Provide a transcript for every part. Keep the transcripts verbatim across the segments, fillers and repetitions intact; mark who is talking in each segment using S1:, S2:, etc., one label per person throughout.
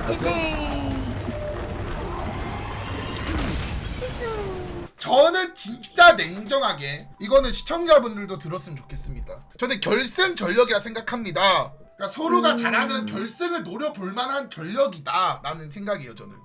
S1: 지지.
S2: 저는 진짜 냉정하게 이거는 시청자분들도 들었으면 좋겠습니다. 저는 결승 전력이라 생각합니다. 그러니까 서로가
S1: 음.
S2: 잘하면 결승을 노려볼 만한 전력이다 라는 생각이에요. 저는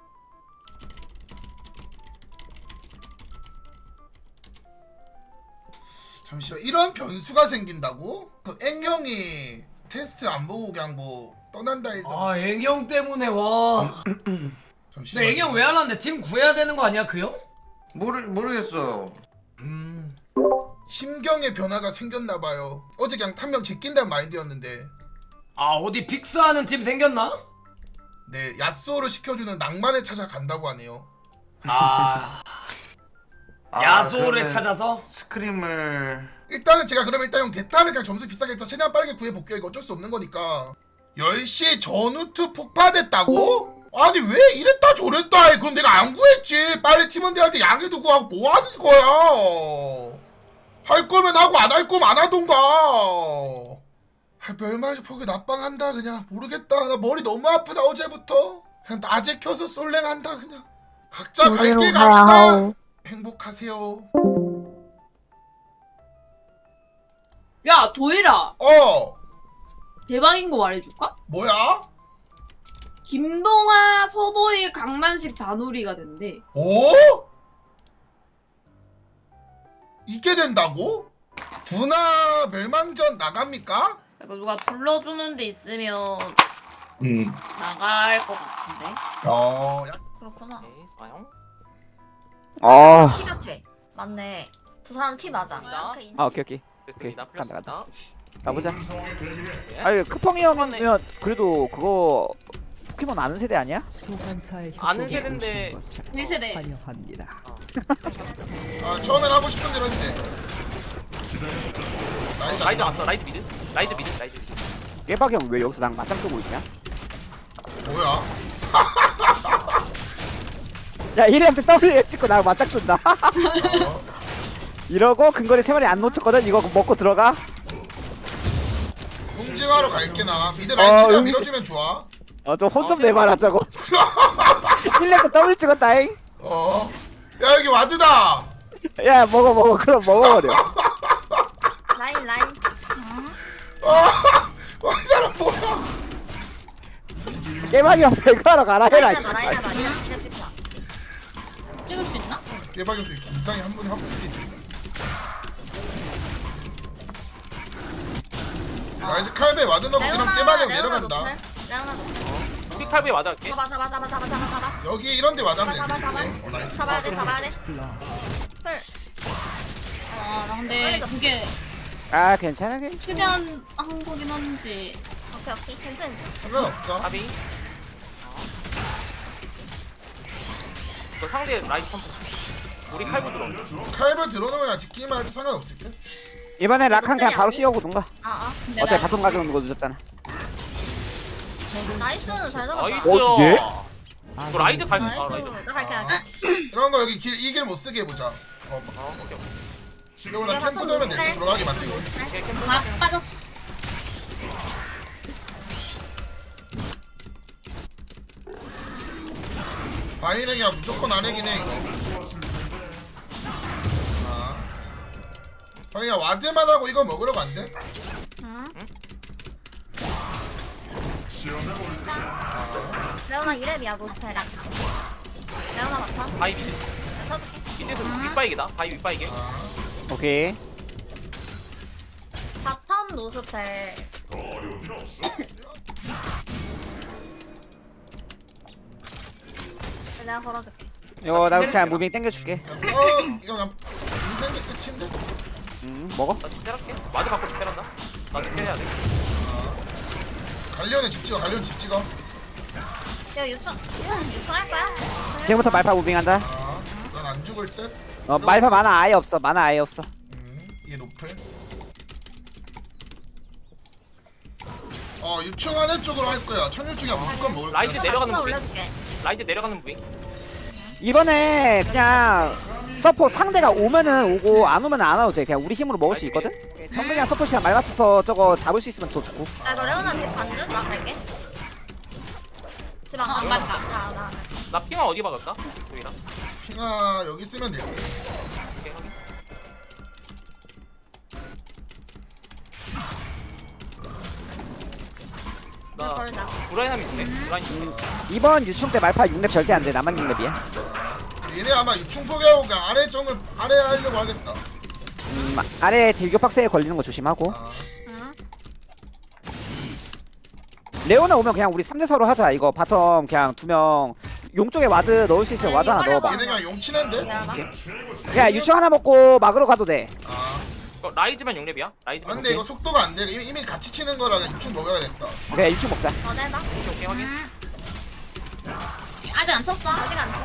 S2: 잠시만, 이런 변수가 생긴다고? 그 앵형이 테스트 안 보고 그냥 뭐 떠난다 해서.
S3: 아 애경 때문에 와.
S2: 잠시만.
S3: 근데 애경 왜 안 왔는데 팀 구해야 되는 거 아니야 그 형?
S4: 모르 모르겠어.
S3: 음.
S2: 심경의 변화가 생겼나봐요. 어제 그냥 한 명 제낀다는 마인드였는데
S3: 아 어디 픽스하는 팀 생겼나?
S2: 네, 야쏘를 시켜주는 낭만을 찾아간다고 하네요.
S3: 아
S4: 아,
S3: 야소를
S4: 그러면
S3: 찾아서?
S4: 스크림을
S2: 일단은 제가 그러면 일단 형 대타를 그냥 점수 비싸게 해서 최대한 빠르게 구해볼게요. 이거 어쩔 수 없는 거니까. 열 시 전후투 폭파됐다고? 아니 왜 이랬다 저랬다 해. 그럼 내가 안 구했지. 빨리 팀원들한테 양해도 구하고 뭐 하는 거야. 할 거면 하고 안 할 거면 안 하던가. 아, 멸망의 포기 납방한다 그냥. 모르겠다. 나 머리 너무 아프다 어제부터. 그냥 낮에 켜서 솔랭한다 그냥. 각자 갈 길 갑시다. 행복하세요.
S1: 야 도일아,
S2: 어
S1: 대박인 거 말해줄까?
S2: 뭐야?
S1: 김동아, 서도일, 강만식 다누리가 된대.
S2: 오? 이게 된다고? 두나 멸망전 나갑니까?
S1: 이거 누가 불러주는 데 있으면
S4: 음.
S1: 나갈 것 같은데.
S2: 어, 야,
S1: 그렇구나.
S5: 네, 과연?
S6: 아,
S7: 티 같아. 맞네. 두 사람 티 맞아.
S5: 자.
S7: 그 인-
S6: 아 오케이 오케이
S5: 됐습니다.
S6: 오케이, 간다,
S5: 풀렸습니다.
S6: 가보자. 아니 크펑이 형이면 그래도 그거 포켓몬 아는 세대 아니야?
S5: 아는 세대인데
S1: 일 세대.
S6: 환영합니다.
S2: 아, 처음엔 하고 싶은 대로 했는데. 나이스.
S5: 라이즈 왔어. 라이즈 미드. 라이즈 미드. 라이즈 미드.
S6: 깨박이 형 왜 여기서 랑 맞짱 뜨고 있냐?
S2: 뭐야?
S6: 야 이렘 W 찍고 나 맞짱 뜬다.
S2: 어,
S6: 이러고 근거리 세 마리 안 놓쳤거든. 이거 먹고 들어가.
S2: 응징하러 갈게 나. 미드 라인
S6: 어,
S2: 최대한
S6: 응.
S2: 밀어주면 좋아.
S6: 어 저 혼 좀
S5: 어,
S6: 내봐라 저거. 일렘 W 찍었다잉.
S2: 어. 야, 여기 와드다.
S6: 야 먹어 먹어 그럼 먹어버려.
S7: 라인 라인.
S2: 아, 어, 이 사람 뭐야?
S6: 깨박이 형 배그하러 가라 해라.
S7: 라인하다 라인하다. 이랑 이랑 찍자.
S1: 찍을 수 있나?
S2: 대박이 되게 긴장이 한 번에 확 풀리네. 아, 이제 칼베 와드 넣고 그냥 대박이 형 내려간다.
S7: 레오나 노플.
S5: 픽팔브에 맞아갈게.
S7: 잡아 잡아 잡아 잡아 잡아 잡아.
S2: 여기 이런 데 와닿으면
S7: 잡아 잡아 잡아.
S2: 되겠네. 어, 나이스.
S7: 잡아야 돼 잡아야 돼. 풀.
S1: 아, 나 근데 그게
S6: 아 괜찮아 괜찮아.
S1: 최대한 한 거긴 한데.
S7: 오케이 오케이 괜찮아 괜찮아.
S2: 상관없어.
S5: 가비. 그 상대 라이즈 탐프. 우리 칼부 들어.
S2: 칼베 들어놓으면 지키기만 해도 상관없을 듯.
S6: 이번에 락한 그냥 바로 뛰어오던가.
S7: 아아.
S1: 근데
S6: 어차피
S1: 나
S6: 바텀 가격 누거 늦었잖아.
S7: 나이스는 잘 잡았다.
S5: 나이스.
S6: 어, 예?
S5: 이거 라이즈 갈수
S7: 나이스.
S5: 있어. 라이즈.
S7: 나 갈게 갈게.
S2: 이런 거 여기 길 이 길 못 쓰게 해보자. 어,
S5: 어, 오케이. 오케이.
S2: 이거 나 캠프 돌면 내가 들어가게 만들고.
S5: 오케이, 캠프.
S1: 다 빠졌어.
S2: 바이넥이야 무조건 안해긴 해 이거. 아, 바이야 와드만 하고 이거 먹으러 간대?
S7: 응. 레오나 이랩이야 노스펠랑. 레오나 맡아.
S5: 바이 미드.
S7: 내가 쳐줄게.
S5: 미드에서 윗바이기다. 바이 윗바이게.
S2: 아,
S6: 오케이.
S7: 바텀 노스펠. 내가 걸어줄게.
S6: 이거 나 그냥 무빙 땡겨줄게.
S2: 그냥 써 이거 그냥 있는 게 끝인데?
S6: 음 먹어.
S5: 나 집대할게. 마드 받고 집대란다. 나 집대해야 돼.
S2: 갈리오는 집 찍어. 갈리오는 집 찍어.
S7: 이거 유충 유충 할 거야?
S6: 지금부터 말파 무빙한다.
S2: 아, 넌 안 죽을 듯?
S6: 어 말파 만화 아예 없어. 만화 아예 없어.
S2: 음, 이게 노플. 어, 유충하는 쪽으로 할 거야. 천유충이야 무조건 먹을 거야.
S5: 라이즈 내려가는
S7: 나
S5: 무빙.
S7: 올려줄게.
S5: 라이즈 내려가는 무빙.
S6: 이번에 그냥 서포 상대가 오면은 오고 안 오면은 안 와도 돼. 그냥 우리 힘으로 먹을 수 있거든. 정글이랑 서포시랑 말 맞춰서 저거 잡을 수 있으면 더 좋고.
S7: 나 이거 레오나 집 반듯 나 갈게. 지방
S1: 어, 안 갔다.
S7: 아, 나.
S5: 나 핑아 어디 박을까? 여기랑.
S2: 핑아 여기 쓰면 돼요.
S5: 오케이 확인. 나
S7: 걸자.
S5: 브라이함 있네. 브라이 있네.
S6: 이번 유충 때 말파 육 렙 절대 안돼. 나만 육 렙이야.
S2: 얘네 아마 유충 포기하고 그냥 아래 정을 아래 하려고 하겠다.
S6: 음, 아래 딜교 박스에 걸리는 거 조심하고.
S2: 아,
S7: 응.
S6: 레오나 오면 그냥 우리 삼 대 사로 하자. 이거 바텀 그냥 두 명 용 쪽에 와드 넣을 수 있으면 와드 하나 넣어봐.
S2: 얘네 그냥 용치는데?
S7: 기다려봐.
S6: 그냥 유충 하나 먹고 막으러 가도 돼.
S2: 아,
S5: 어, 라이즈만 육 렙이야?
S2: 아
S5: 라이즈만.
S2: 근데 이거 속도가 안 돼. 이미, 이미 같이 치는 거라 그냥 유충 먹어야겠다.
S6: 그냥 유충 먹자.
S7: 어, 내다.
S5: 오케이 오케이 확인.
S1: 음. 아직 안 쳤어?
S7: 아직 안 쳐?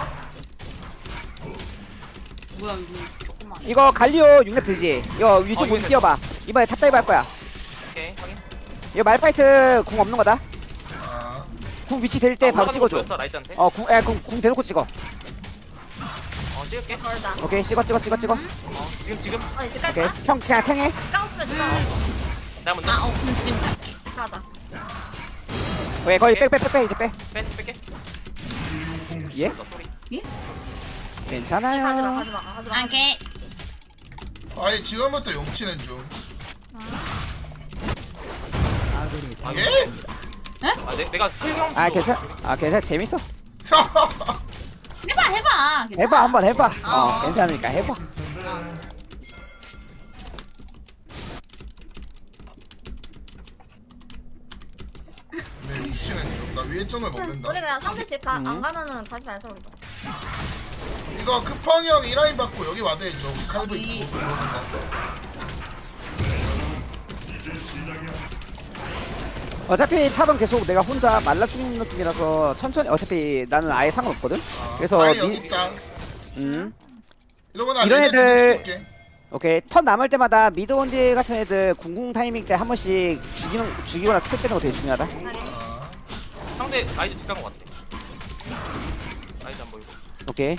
S1: 뭐야 이거 조금만.
S6: 이거 갈리오 육 렙 되지? 이거 위쪽
S5: 어,
S6: 못
S5: 육 렙.
S6: 뛰어봐. 이번에 탑다이브 할 거야.
S5: 오케이 확인.
S6: 이거 말파이트 궁 없는 거다.
S2: 아,
S6: 궁 위치 될 때
S5: 아,
S6: 바로
S5: 올라가는 거
S6: 찍어줘.
S5: 보였어, 라이즈한테.
S6: 어, 궁, 에, 궁, 궁 대놓고 찍어.
S5: 어 찍을게.
S7: 걸자.
S6: 오케이, 찍어, 찍어, 찍어, 찍어.
S5: 어 지금 지금.
S7: 어, 이제 깔
S6: 오케이,
S7: 거야?
S6: 형 그냥 탱해.
S7: 까우시면 지금
S5: 내가 먼저.
S1: 아, 어, 그럼 지금 갈게.
S7: 가자.
S6: 오케이, 거기 빼, 빼, 빼, 빼, 이제 빼.
S5: 빼 뺄게.
S6: 예?
S5: 너 소리.
S6: 괜찮아요.
S7: 가지 마, 가지 마, 가지 마.
S1: 오케이.
S2: 아니 지금부터 용치는 중. 예?
S5: 아 내, 내가 클형.
S6: 아, 괜찮, 아, 괜찮, 재밌어.
S1: 해봐, 해봐. 괜찮아.
S6: 해봐, 한번 해봐. 어,
S1: 어.
S6: 괜찮으니까 해봐.
S2: 네, 용치는 중. 나 위에 점을 먹는다.
S7: 우리 그냥 상대씩 가,
S6: 음.
S7: 안 가면은 가지 말자 우리도.
S2: 이거 크펑이 형 이 라인 받고 여기 와드 해줘. 우리 칼도 있고 들어오는 거.
S6: 어차피 탑은 계속 내가 혼자 말라 죽는 느낌이라서 천천히, 어차피 나는 아예 상관없거든?
S2: 아,
S6: 그래서
S2: 아니,
S6: 니-
S2: 여기 있다.
S6: 음.
S2: 이러고 나
S6: 이런
S2: 레드
S6: 애들-
S2: 찍을게.
S6: 오케이. 턴 남을 때마다 미드 원딜 같은 애들 궁궁 타이밍 때 한 번씩 죽이는, 죽이거나 스택 빼는 거 되게 중요하다.
S2: 아,
S5: 상대 라이즈 직간 것 같아. 라이즈 안 보이고.
S6: 오케이.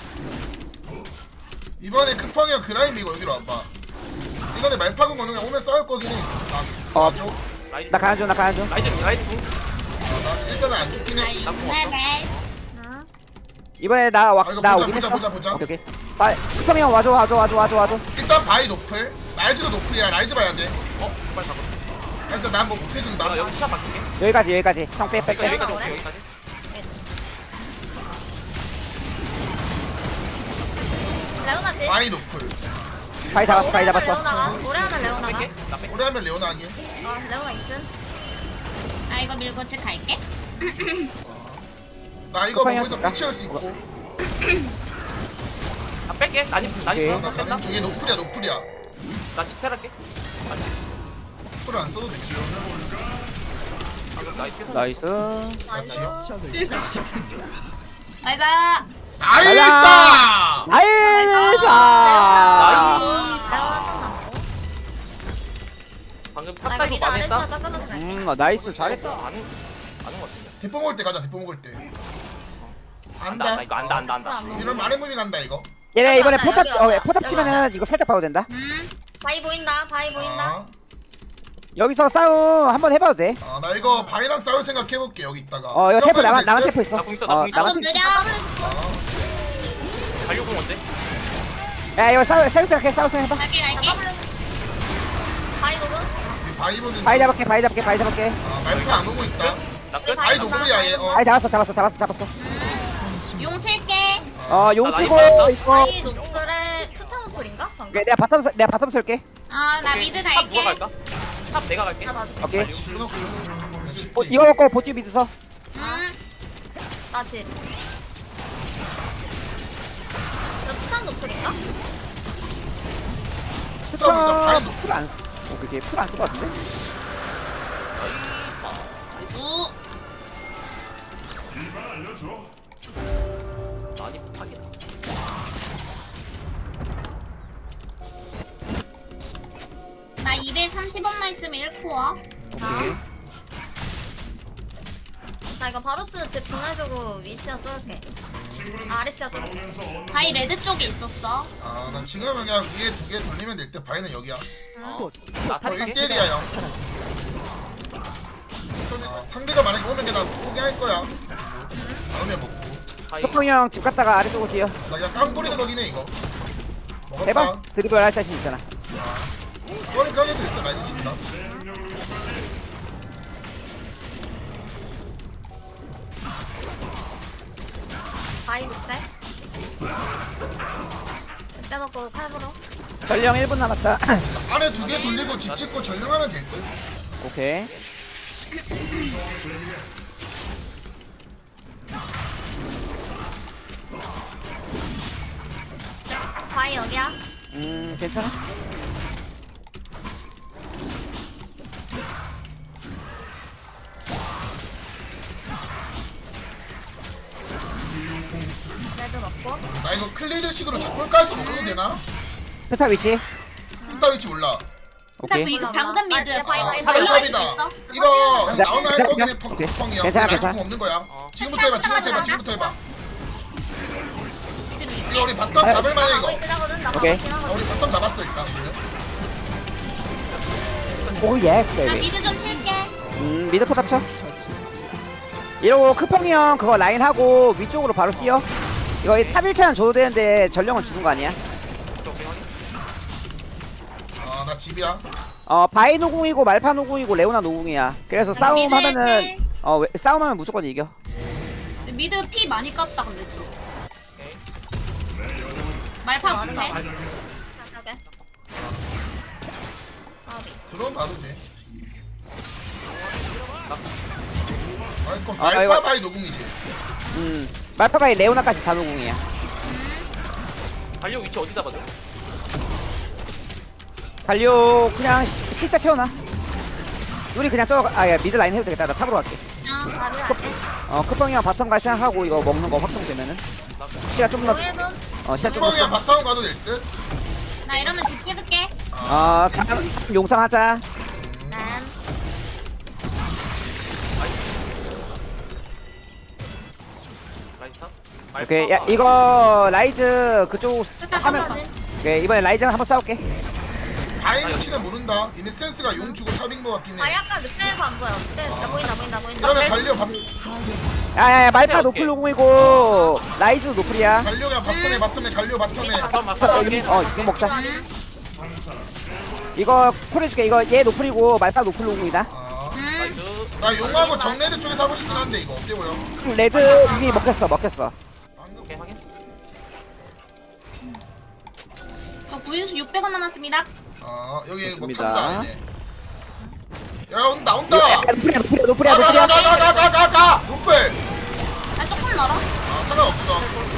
S2: 이번에 크펑이 형 그라임 이거 여기로 와봐. 이거는 말파군 거는 그냥 오면 싸울 거긴 해. 아,
S6: 어.
S2: 줘.
S5: 라이즈.
S6: 나 가는 중, 나 가는 중.
S5: 라이즈 라이즈 궁.
S2: 나 일단은 안 죽긴 해.
S5: 나쁜 거
S1: 네,
S5: 없어.
S1: 네.
S7: 응.
S6: 이번에 나, 와,
S2: 아, 이거
S6: 나
S2: 보자,
S6: 오긴
S2: 보자,
S6: 했어.
S2: 보자, 보자.
S6: 오케이, 오케이. 빨리, 쿠팡이 형 와줘, 와줘, 와줘, 와줘, 와줘.
S2: 일단 바이 노플. 라이즈도 노플이야. 라이즈 봐야 돼.
S5: 어 빨리 가봐.
S2: 일단 난 뭐 못해준다.
S5: 나 여기 시합 바꿀게.
S6: 여기까지, 여기까지. 형 빼, 빼,
S5: 여기까지
S6: 빼.
S5: 여기까지
S7: 오래?
S5: 오케이 여기까지.
S7: 레오나지?
S2: 바이 노플.
S6: 바위 잡았어, 바위
S7: 오래 하면
S6: 잡았어.
S7: 레오나가? 오래 하면 레오나가?
S5: 뺄게. 나 뺄게.
S2: 오래 하면 레오나 하긴.
S7: 어, 레오나 이쯤?
S1: 나 이거 밀고 집 갈게.
S2: 나 이거
S6: 쿠팡이
S2: 먹고서
S6: 형
S2: 피치할 수 있고.
S5: 나 뺄게. 나니 나니
S6: 오케이.
S2: 나
S5: 뺀다.
S2: 가는 중에 노플이야, 노플이야.
S5: 나 집결할게. 나 집.
S2: 노플 안 써도 돼.
S5: 방금 나이 최선.
S6: 나이스.
S2: 같이요?
S1: 나이다.
S2: 나이스!
S6: 나이스!
S7: 레오나 턴 남고.
S5: 방금
S7: 나 이거
S5: 탑까지
S7: 미드 안
S5: 많이
S7: 했어.
S5: 했다.
S7: 나 끊어서 갈게.
S6: 음, 어, 나이스. 잘했다.
S5: 아는 아는 것 같은데.
S2: 대포 먹을 때 가자, 대포 먹을 때.
S5: 안다
S2: 안다.
S5: 안다 이거 안다 안다 안다.
S2: 이런 말해 무빙 간다, 이거.
S6: 얘네 이번에
S7: 여기
S6: 포탑,
S7: 와봐,
S6: 어,
S7: 여기
S6: 포탑
S7: 와봐.
S6: 치면은 이거 살짝 봐도 된다.
S1: 음.
S7: 바이 보인다. 바이 보인다.
S2: 아,
S6: 여기서 싸움 한번 해봐도 돼.
S2: 아, 나 이거 바이랑 싸울 생각 해볼게, 여기 있다가.
S6: 어, 이거 테프 나만,
S2: 될
S6: 나만
S2: 듯?
S6: 테프 있어.
S5: 나 공 있어, 나
S6: 어,
S5: 공 있어.
S6: 나만
S1: 좀
S6: 테프
S1: 느려.
S7: 나 더블
S2: 아,
S5: 갈려공 언제?
S6: 있어. 야, 이거 싸우, 싸우 생각해, 싸우 생각해봐.
S1: 갈게,
S7: 나
S1: 갈게.
S7: 더블 바이 녹음?
S2: 우리 바이 보는
S6: 바위
S2: 중.
S6: 잡을게, 바위 잡을게, 바위 잡을게.
S2: 아, 말파 안 오고 있다.
S5: 나 끝.
S2: 바이 노플이야, 얘. 어.
S6: 바위 잡았어, 잡았어, 잡았어, 잡았어.
S1: 용 칠게.
S6: 어, 용
S5: 나
S6: 치고
S5: 라인
S6: 있고.
S7: 바이 노플에 스타노플인가? 방금?
S6: 오케이, 내가 바텀, 쓸- 내가 바텀 쓸게.
S1: 아, 나 미드
S5: 탑 누가
S1: 갈게.
S5: 갈까? 탑 내가 갈게.
S7: 나 봐줄게.
S6: 오케이.
S2: 끊었고.
S6: 어, 이거 먹고 보티 미드 서.
S1: 음.
S7: 나 집. 너 스탄 노플인가?
S2: 일단 바이
S6: 스톱
S2: 노플.
S6: 풀안, 오케이, 풀안 쓸 것 같은데?
S1: 오.
S5: 아니 사기다.
S1: 나 이백삼십 원만 있으면 일 코어.
S6: 오케이.
S7: 나 이거 바로스 집 보내주고 위시아 뚫을게. 아, 아리시아 뚫을게.
S1: 바이 레드 쪽에 있었어.
S2: 아, 난 지금은 그냥 위에 두 개 돌리면 될 때 바이는 여기야.
S5: 어. 나
S2: 어,
S5: 탈게.
S2: 일 대 일이야, 형. 상대- 상대가 만약에 오면 그냥 포기할 거야.
S5: 바이.
S6: 혁펑이 형 집 갔다가 아래쪽으로 뛰어.
S2: 나 그냥 깡 뿌리는 거긴 해 이거. 먹었다.
S6: 해봐. 드리블 할 자신 있잖아.
S2: 소리 까게도 일단 라인 친다.
S7: 바이 그때. 그때 먹고 칼부로.
S6: 전령 일 분 남았다.
S2: 안에 두 개 돌리고 집 짓고 전령하면 될 듯.
S6: 오케이.
S7: 바이 여기야.
S6: 음 괜찮아.
S7: 레드 먹고.
S2: 나 이거 클리드식으로 작골까지 먹어도 되나?
S6: 스타 위치.
S2: 스타 위치 몰라.
S6: 오케이.
S1: 미드 방금 미드
S7: 아, 바이, 바이,
S2: 아,
S7: 바이, 바이.
S2: 사백탑이다.
S1: 있어?
S2: 이거
S6: 자,
S2: 나오나 할
S6: 자,
S2: 거긴
S6: 자,
S2: 해.
S6: 오케이.
S2: 펑펑이야.
S6: 괜찮아,
S2: 라인
S6: 괜찮아.
S2: 없는 거야.
S5: 어.
S2: 지금부터 해봐. 지금부터 해봐. 지금부터 해봐. 이거 우리 바텀
S6: 아,
S2: 잡을 만해
S7: 나가고
S2: 이거.
S7: 있긴 하거든. 나
S6: 오케이.
S7: 가고 있긴
S2: 아,
S7: 하거든.
S2: 우리 바텀 잡았어 일단.
S6: 오 예스
S1: 나
S6: 베이비.
S1: 미드 좀 칠게.
S6: 음 미드 포탑 쳐. 이러고 크펑이 형 그거 라인 하고 위쪽으로 바로 뛰어. 이거 탑 일 차는 줘도 되는데 전령은 주는 거 아니야?
S2: 아 나 집이야.
S6: 어 바이 노궁이고 말파 노궁이고 레오나 노궁이야. 그래서 싸움
S1: 미드
S6: 하면은
S1: 일.
S6: 어 왜- 싸움하면 무조건 이겨.
S1: 미드 피 많이 깠다 근데 좀.
S5: 오케이.
S1: 말파
S7: 맞은 거
S1: 못해?
S7: 같아. 오케이. 아비.
S2: 들어오면 봐도 돼. 아이고
S6: 아,
S2: 말파
S6: 이거-
S2: 바이 노궁이지.
S6: 음 말파 바이 레오나까지 다 노궁이야.
S5: 달려 위치 어디 잡아줘?
S6: 달려 그냥 시- 시차 채워놔. 우리 그냥 저 아야 미드 라인 해도 되겠다. 나 탑으로 갈게.
S1: 어.
S7: 바비 갈게.
S6: 어 크펑이 형 바텀 갈 생각하고 이거 먹는 거 확정되면은 시간 좀더
S7: 일 분.
S6: 어 시간 좀더
S2: 펑이야 바텀 가도 될 듯.
S1: 나 이러면 집 찍을게.
S6: 어 다음 용상하자.
S7: 난.
S5: 라이스타?
S6: 오케이 야 이거 라이즈 그쪽 하면
S7: 하면까지.
S6: 오케이 이번에 라이즈랑 한번 싸울게.
S2: 바이 위치는 모른다. 얘네 센스가 용 주고 탑인 거 같긴 해.
S7: 바이 아까 늑대에서 안 보여. 늑대 나 보인다 보인다 보인다.
S2: 그러면 갈려 밥
S6: 야야야 말파
S5: 오케이,
S6: 노플
S5: 오케이.
S6: 노궁이고 라이즈 노플이야.
S2: 갈려 그냥 바텀에 바텀에 갈려 바텀에.
S5: 바텀
S6: 어,
S5: 맞서
S6: 여기, 어 이거 먹자. 이거 콜 해줄게. 이거 얘 노플이고 말파 노플 노궁이다.
S2: 아,
S1: 음.
S5: 나이스.
S2: 나 용하고 정레드 쪽에서 하고 싶긴 한데 이거 어때 보여?
S6: 레드 이미 먹혔어 먹혔어.
S5: 오케이 확인.
S1: 저 구인수 육백 원 남았습니다.
S2: 아 여기 뭐
S6: 좋습니다.
S2: 탑도 아니네. 야 온다 나온다.
S6: 야, 노플이야 노플이야 노플이야 노플이야.
S2: 가가가가가가가 노플.
S1: 나 조금 멀어.
S2: 아 상관없어.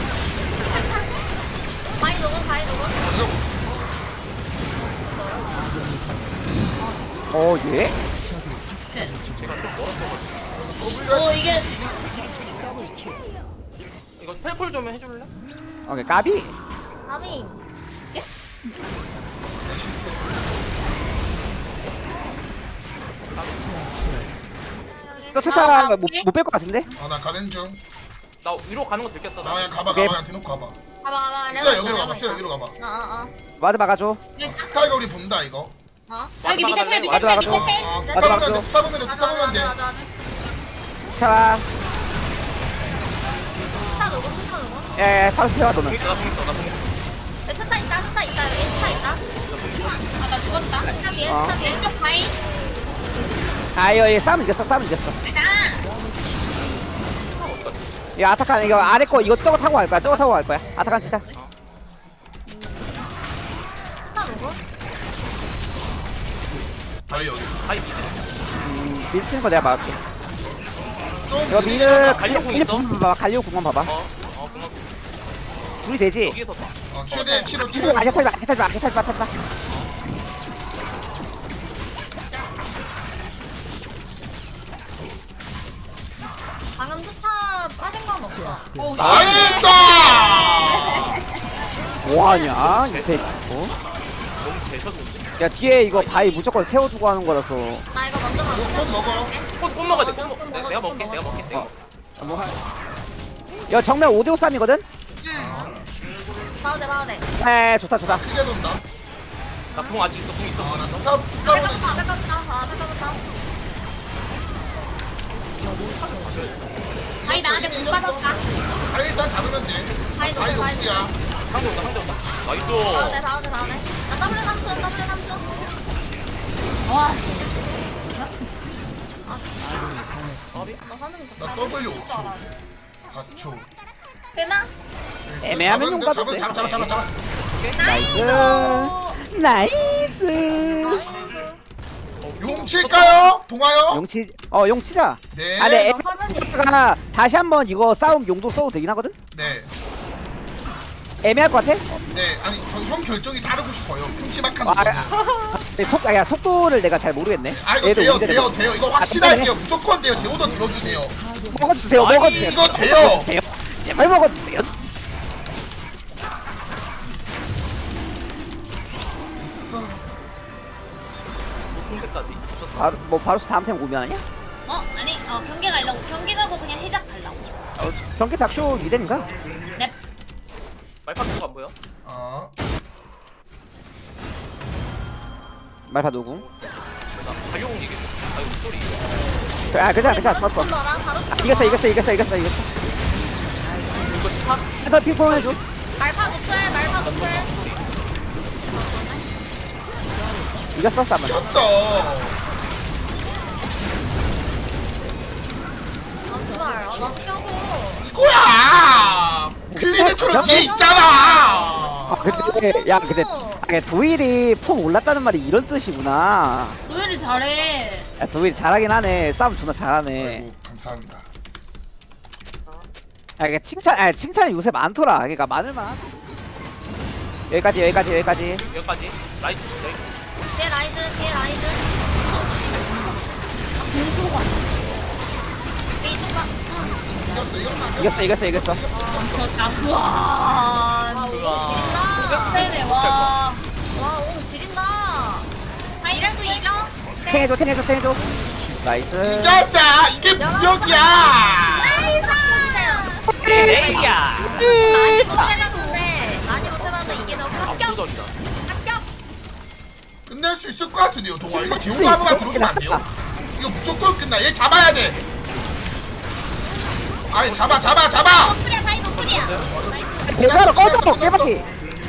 S7: 바이 녹음 바이 녹음.
S2: 이거
S6: 어 예?
S1: 오 이게
S5: 이거 텔콜 좀 해줄래?
S6: 오케이 까비.
S7: 바비.
S6: 또 투타 못뺄 것 같은데?
S2: 아나 가는 중.
S5: 나 위로 가는 거 들켰어.
S2: 나 그냥 가봐
S6: 오케이.
S2: 가봐 그냥 대놓고 가봐.
S7: 가봐 가봐.
S2: 쓰야 여기로 가봐 쓰야 여기로 가봐.
S7: 어어
S6: 와드 막아줘.
S2: 스타이가 우리 본다 이거.
S7: 어.
S1: 여기 밑에 텔 밑에
S6: 와줘,
S1: 텔
S6: 와줘.
S1: 밑에 텔.
S2: 아
S7: 맞아,
S2: 스타 보면
S6: 맞아.
S2: 돼 스타 보면 돼
S7: 맞아
S2: 스타 보면
S7: 맞아
S2: 돼.
S7: 맞아 맞아.
S6: 자,
S7: 스타 녹음 스타 녹음.
S6: 예, 바로 세워 너는.
S5: 나 통했어 나 통했어.
S7: 여기 스타 있다 스타 있다 여기 스타 있다.
S1: 아 나 죽었다.
S7: 스타 뒤에
S6: 어.
S7: 스타 뒤에.
S1: 왼쪽 바이.
S6: 아, 이거 얘 싸움 이겼어, 싸움 이겼어.
S1: 가자.
S6: 이 아타칸 이거 아래 거 이거 저거 타고 갈 거야, 저거 타고 갈 거야. 아타칸 진짜.
S7: 스타 녹음.
S2: 바이 여기.
S5: 바이 미드.
S6: 음, 미드 치는 거 내가 막을게.
S2: 좀
S6: 이거
S2: 느리긴
S6: 미드
S2: 하다.
S5: 갈려 공
S6: 미드
S5: 있어?
S6: 궁만 봐봐, 갈리오 궁만 봐봐.
S5: 어. 어 그만.
S6: 둘이 되지?
S5: 여기에서 봐.
S2: 어 최대 치료 치료.
S6: 치료 아직 타지 마, 아직 타지 마, 아직 타지 마, 타지 마.
S7: 방금 스타 빠진 건 없어.
S1: 오
S2: 나이스!
S6: 뭐하냐, 이 새끼. 어?
S5: 너무 재셔졌는데.
S6: 야, 뒤에 이거 바위 무조건 세워두고 하는 거라서.
S7: 나 이거 먼저 먹어.
S2: 꽃 먹어.
S5: 꽃, 꽃 먹어야 돼. 꽃
S7: 먹어,
S5: 먹.
S7: 꽃
S5: 내가
S7: 먹어,
S5: 내가
S7: 꽃
S5: 먹게. 내가
S7: 먹어.
S5: 먹게. 내가
S6: 어.
S5: 먹게.
S6: 뭐 할. 야, 정면 오 대 오 싸움이거든?
S7: 봐도 돼 봐도 돼.
S6: 에, 좋다, 좋다.
S2: 크게 돈다.
S5: 나궁 아직 있어. 궁 있어.
S2: 아나 스타 스타 보면
S7: 백업부터 백업부터 아 백업부터.
S1: 바이 나한테 못 받았다.
S2: 바위 일단 잡으면 돼.
S7: 바위도
S2: 바위
S7: 돼, 바위도 돼.
S2: 높이야.
S5: 상대 온다 상대 온다 나이스
S7: 다운돼 다운돼 다운돼. 나 W 삼 초 W 삼 초.
S1: 와
S7: 너 화면
S2: 나
S7: 좋다.
S2: W 오 초. 사 초.
S1: 되나?
S6: 애매하면 용 가도
S2: 잡은
S6: 돼.
S2: 잡아 잡아 잡아 잡아.
S6: 나이스. 나이스.
S7: 나이스.
S2: 용 칠까요? 동아요?
S6: 용치 어 용치자.
S2: 네.
S6: 아, 네.
S7: 너 화면이
S6: 가 다시 한번 이거 싸움 용도 써도 되긴 하거든.
S2: 네.
S6: 애매할 것 같아.
S2: 네. 아니 저 형 결정이 따르고 싶어요. 큼지막한
S6: 아,
S2: 이거는.
S6: 네, 속, 아, 야, 속도를 내가 잘 모르겠네.
S2: 아 이거
S6: 얘도
S2: 돼요
S6: 운전해.
S2: 돼요 돼요. 이거 확실할게요. 무조건 돼요. 제 오더 들어주세요.
S6: 먹어주세요, 먹어주세요.
S2: 이거 돼요.
S6: 먹어주세요. 제발 먹어주세요.
S2: 있어.
S5: 공세까지
S6: 바로 뭐 바로스 다음 템 오면 아니야?
S1: 어 아니 어 경기 가려고 경기 가고 그냥 해작 가려고.
S6: 어, 경기 작쇼 리덴인가?
S1: 넵.
S5: 말파트가 안 보여?
S2: 어.
S6: 말파 누구?
S5: 나 가용 이게 가용 소리
S6: 아, 괜찮아, 괜찮아,
S7: 바로
S6: 좋았어.
S7: 좀 넣어라. 바로
S6: 아, 이겼어, 이겼어, 이겼어, 이겼어, 이겼어.
S5: 이거 탑
S6: 해서 핑퐁 해줘.
S7: 말파 노플 말파 노플.
S6: 이겼어, 싸면.
S2: 꼈어.
S7: 아 씨발. 아나 껴고.
S2: 이거야. 클리드처럼 뒤에 있잖아.
S6: 아, 근데, 야, 근데, 아, 근데 도일이 폼 올랐다는 말이 이런 뜻이구나.
S1: 노엘이 잘해.
S6: 야, 도일이 잘하긴 하네. 싸움 존나 잘하네.
S2: 아이고 감사합니다.
S6: 아, 이게 칭찬, 아, 칭찬이 요새 많더라. 그러니까 많을만. 여기까지, 여기까지, 여기까지.
S5: 여기까지 나이스 나이스
S7: 뒤에 라이즈 뒤에 라이즈.
S1: 공수가.
S7: 이쪽 봐.
S2: 이겼어 이겼어.
S6: 이겼어, 이겼어, 이겼어.
S1: 저자 우와.
S7: 와 옹 지린다.
S1: 세네 와.
S7: 와옹 지린다. 이래도 이겨?
S6: 탱해줘, 탱해줘, 탱해줘. 나이스.
S2: 이겼어. 이게 무력이야.
S7: 나이스.
S5: 에이야
S7: 좀 많이 못해봤는데 많이 못해봤는데 이게 너무 합격.
S5: 압도적이다
S7: 합격.
S2: 끝낼 수 있을 것 같은데요, 동아. 이거 지훈 한 번만 들어주면 안 돼요? 이거 무조건 끝나. 얘 잡아야 돼. 아니 잡아 잡아 잡아.
S1: 노플이야 바이 노플이야.
S6: 배가로 꺼져,
S2: 끝났어, 끝났어.
S6: 깨박이.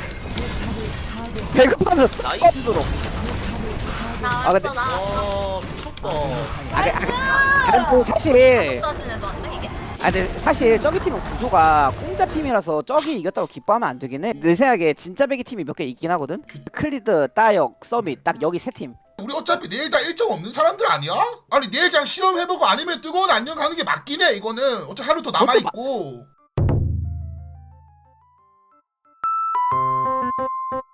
S6: 배급판으로 싹 꺼지도록.
S7: 나왔어
S6: 근데-
S7: 나왔어.
S5: 어 미쳤다
S6: 아, 그, 아, 그, 아, 그 사실,
S7: 독서진 애도 안 돼 이게?
S6: 아, 근데 사실 저기 팀은 구조가 공짜 팀이라서 저기 이겼다고 기뻐하면 안 되긴 해. 내 생각에 진짜 배기 팀이 몇 개 있긴 하거든. 클리드, 따역, 서밋 딱 여기 세 팀.
S2: 우리 어차피 내일 다 일정 없는 사람들 아니야? 아니 내일 그냥 실험해보고 아니면 뜨거운 안녕 가는 게 맞긴 해. 이거는 어차피 하루 더 남아 있고.